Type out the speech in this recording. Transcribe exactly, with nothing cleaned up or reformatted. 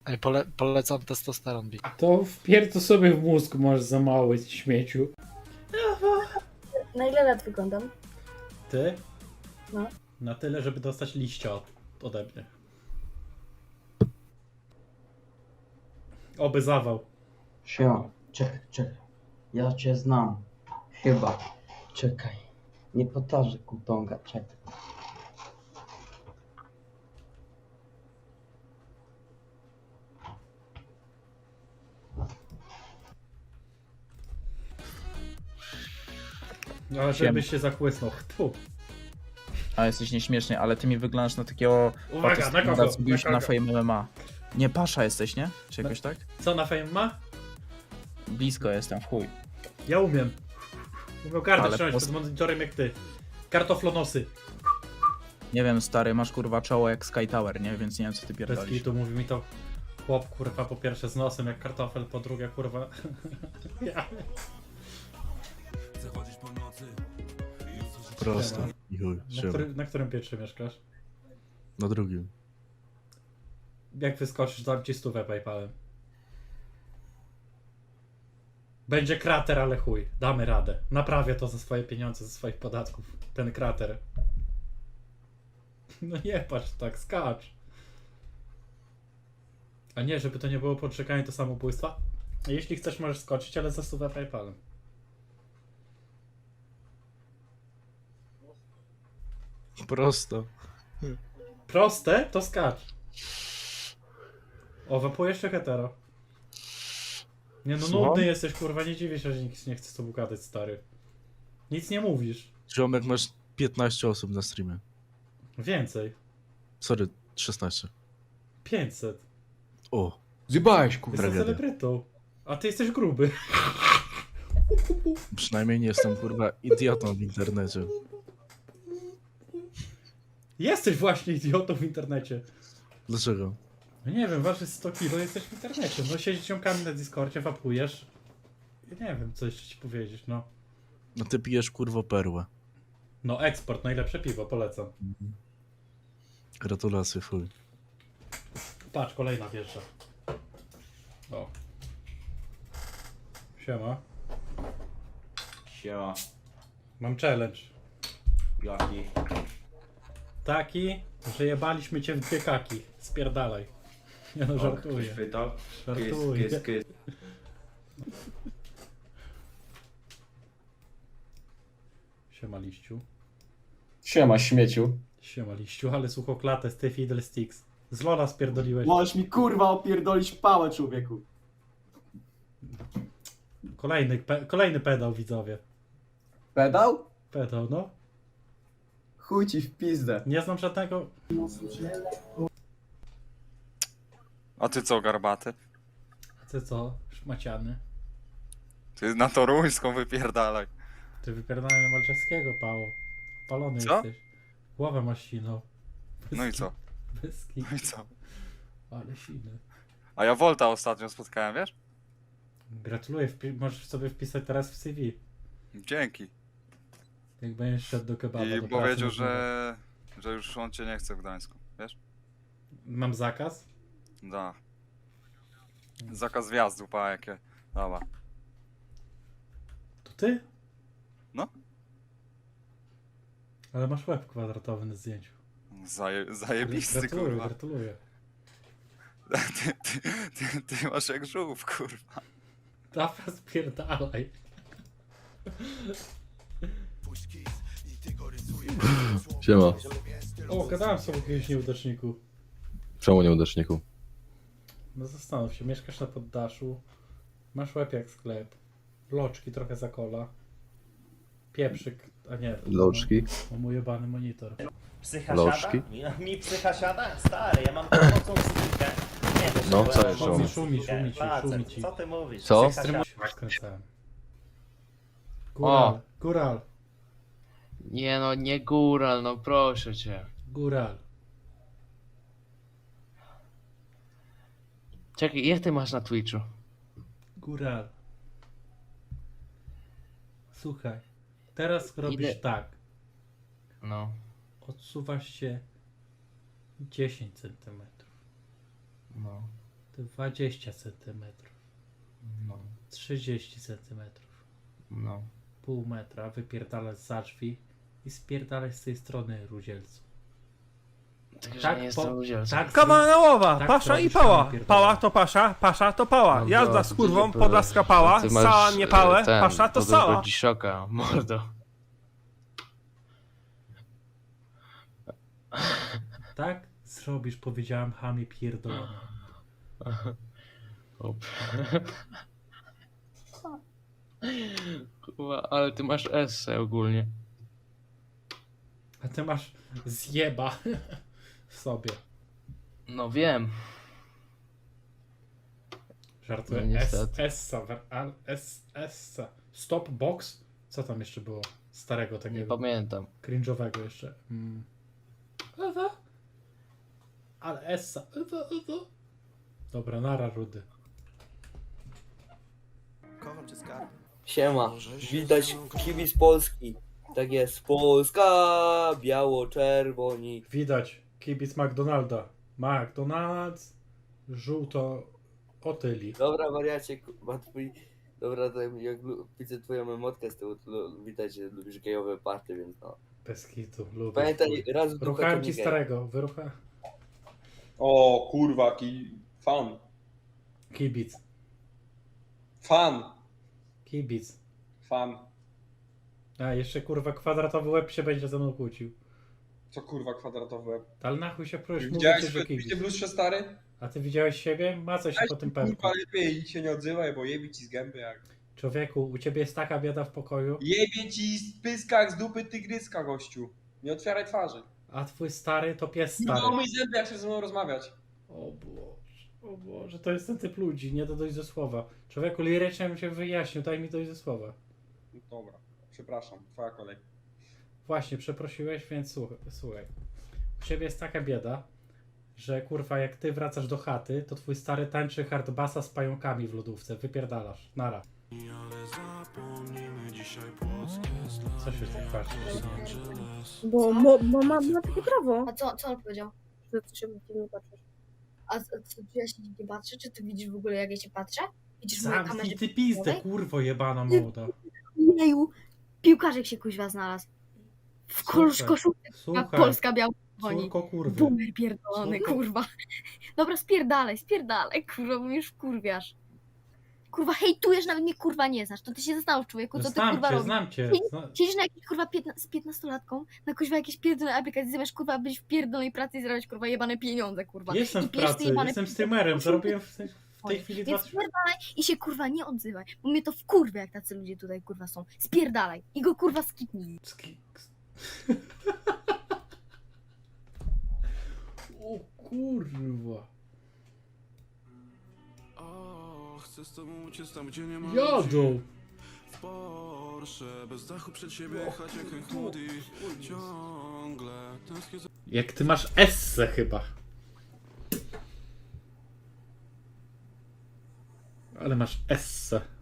Ej, pole, polecam testosteron, Big. To wpierd to sobie w mózg, masz za mały śmieciu. Na ile lat wyglądam? Ty? No. Na tyle, żeby dostać liścia od, ode mnie. Oby zawał. Siema, czekaj, czekaj. Ja cię znam. Chyba. Czekaj. Nie potarzę kutonga, czekaj. Ale żebyś się zachłysnął. Tu. A jesteś nieśmieszny, ale ty mi wyglądasz na takiego... Uwaga, na kogo? Co bił się Na na kogo? Fame M M A. Nie, Pasza jesteś, nie? Czy jakoś tak? Co na fame ma? Blisko jestem, w chuj. Ja umiem. Umiem kartę Ale trzymać pos- przed monitorem jak ty. Kartoflonosy. Nie wiem, stary, masz kurwa czoło jak Sky Tower, nie? Więc nie wiem, co ty Bez pierdolisz. kitu mówi mi to chłop, kurwa, po pierwsze z nosem jak kartofel, po drugie, kurwa... ja. Prosto. Siema. I chuj, Na, siema. który, na którym piętrze mieszkasz? Na drugim. Jak wyskoczysz, dam ci stówę PayPalem. Będzie krater, ale chuj. Damy radę. Naprawię to za swoje pieniądze, ze swoich podatków. Ten krater. No nie patrz tak, skacz. A nie, żeby to nie było poczekanie do samobójstwa. Jeśli chcesz, możesz skoczyć, ale za stówę PayPalem. Prosto. Proste, to skacz. O, wapujesz czy hetero? Nie no, Słucham? nudny jesteś, kurwa, nie dziwię się, że nikt nie chce z tobą gadać, stary. Nic nie mówisz. Ziomek, masz piętnaście osób na streamie. Więcej. Sorry, szesnaście. pięćset. O, Zjebałeś, kurwa. Jestem Tragedia. celebrytą. A ty jesteś gruby. przynajmniej nie jestem kurwa idiotą w internecie. Jesteś właśnie idiotą w internecie. Dlaczego? No nie wiem, waży sto kilo, jesteś w internecie. No siedzisz ciągami na Discordzie, wapujesz. Ja nie wiem, co jeszcze ci powiedzieć, no. No ty pijesz kurwo perłę. No eksport, najlepsze piwo, polecam. Gratulacje, chuj. Patrz, kolejna wieża. O. Siema. Siema. Mam challenge. Jaki? Taki, że jebaliśmy cię w dwie kaki. Spierdalaj. Ja no O, żartuję. ktoś pytał? Żartuję. Kys, kys, kys. Siema liściu. Siema, śmieciu. Siema liściu, ale suchoklatę z tej Fiddlesticks. Z Lola spierdoliłeś. Możesz mi kurwa opierdolić pałę, człowieku. Kolejny, pe, kolejny pedał, widzowie. Pedał? Pedał, no. Chuj ci w pizdę. Nie znam żadnego... A ty co, garbaty? A ty co? Szmaciany. Ty na toruńską wypierdalaj. Ty wypierdalaj na Malczewskiego, Pało. Palony Co? jesteś. Głowę masz siną. Bez No i ki- co? Bez kitu. No i co? Ale siny. A ja Volta ostatnio spotkałem, wiesz? Gratuluję, wpi- możesz sobie wpisać teraz w C V. Dzięki. Jak będziesz szedł do kebaba. I do powiedział, pracy, że... że już on cię nie chce w Gdańsku, wiesz? Mam zakaz? Da. Zakaz wjazdu, pa jakie. Dobra. To ty? No. Ale masz łeb kwadratowy na zdjęciu. Zaje, zajebisty, Gratuluję, kurwa. gratuluję. Ty, ty, ty, ty masz jak żółw, kurwa. Dawaj, spierdalaj. Siema. O, gadałem sobie o jakimś nieudaczniku. Czemu nieudaczniku? No zastanów się, mieszkasz na poddaszu, masz łeb jak sklep, loczki trochę za kola, pieprzyk, a nie, Loczki? mam mój jebany monitor. Psycha Lożki? siada? Mi, mi psycha siada? Stary, ja mam mocną psychikę. Nie wiesz, No, bo co ja jeszcze? mam Szumi, mocną szumi, psychikę. szumi ci, Facet, szumi ci. Co ty mówisz? Co? Psycha siada. Skręcałem. Góral, góral, Nie no, nie góral, no proszę cię. góral. Czekaj, jak ty masz na Twitchu? Góral. Słuchaj, teraz robisz Ile- tak, No, odsuwasz się dziesięć centymetrów. no. dwadzieścia centymetrów. No, trzydzieści centymetrów. no. Pół metra, wypierdalać za drzwi i spierdalać z tej strony, Rudzielcu. Także Tak, nie po- jestem udzielcą. tak, Kawałkowa, tak pasza i robisz, pała. panie pierdolę. Pała to pasza, pasza to pała. No Jazda z dobrze, kurwą, to podlaska pała, ty masz, sała nie pałę, e, ten, pasza to podobnego sała. dziszoka, mordo. Tak zrobisz, powiedziałem, chamie pierdolony. Hop. Kurwa, ale ty masz esse ogólnie. A ty masz zjeba w sobie. No wiem. Żartuję. No S, niestety. Essa, wer- al- S, Essa. Stop box? Co tam jeszcze było? Starego Nie takiego, pamiętam. cringe'owego jeszcze. Mm. Ewa. Ale Essa. Ewa, Ewa. Dobra, nara, Rudy. Siema, widać kibic Polski. Tak jest, Polska, biało-czerwoni. Widać, kibic McDonalda. McDonald's, żółto otyli. Dobra, wariacie, ma twój... Dobra, to jak lu- widzę twoją emotkę z tyłu, to lu- widać, że lubisz gejowe party, więc no. Bez kitu, lubię. Pamiętaj, raz w dupę to Ruchałem nie ci gej. starego, wyrucha. O kurwa, ki... fan. Kibic, Fan. kibic. Fan. A, jeszcze kurwa kwadratowy łeb się będzie ze mną kłócił. Co kurwa kwadratowy łeb? Ale na chuj się próż, mówię Widziałeś ci, że w kibic. blustrze stary? A ty widziałeś siebie? Macaj się po tym pępku. Kurwa lepiej się nie odzywaj, bo jebie ci z gęby jak... Człowieku, u ciebie jest taka bieda w pokoju, Jebie ci z pyskach z dupy tygryska, gościu. Nie otwieraj twarzy. a twój stary to pies No stary. mój zęby, jak chcesz ze mną rozmawiać. O Boże, o Boże, to jest ten typ ludzi, nie do dojść do słowa. Człowieku, lirycznie bym się wyjaśnił, daj mi dojść do słowa. Dobra, przepraszam, twoja kolej. Właśnie, przeprosiłeś, więc słuchaj, słuchaj. U ciebie jest taka bieda, że kurwa, jak ty wracasz do chaty, to twój stary tańczy hardbassa z pająkami w lodówce, wypierdalasz, nara. Co się tak patrzysz? Bo, bo, bo ma, ma takie prawo. A co, co on powiedział? Że ty się dziwnie patrzysz. A co, co, czy ja się dziwnie patrzę? Czy ty widzisz w ogóle, jak ja się patrzę? Widzisz moje kamerze? Zamknij ty pizdę, filmowej? kurwo jebana młoda. Jeju, piłkarzek się kuźwa znalazł. W kosz, Słuchaj, koszulce, jak Słuchaj, Polska biała dzwoni. córko kurwy. Boomer pierdolony, Córko- kurwa. Dobra, spierdalaj, spierdalaj, kurwa, bo mnie już wkurwiasz. Kurwa, hejtujesz, nawet mnie kurwa nie znasz. To ty się zastanów, człowieku, co ty Znam kurwa cię, robisz. znam cię. Zna... Siedzisz na jakiejś kurwa piętna, z piętnastolatką, na kuźwa jakiejś pierdolnej aplikacji, zamiast kurwa być w pierdolnej pracy i zarabiać kurwa jebane pieniądze, kurwa. Jestem I w pijesz te pracy, jebane jestem pieniądze. streamerem, zarobiłem w tej, w tej Oj, chwili Więc dwa... spierdalaj i się kurwa nie odzywaj, bo mnie to wkurwia, jak tacy ludzie tutaj kurwa są. Spierdalaj i go kurwa skipnij. Ski- O kurwa. Jadą. Jak ty masz esse chyba. Ale masz esse.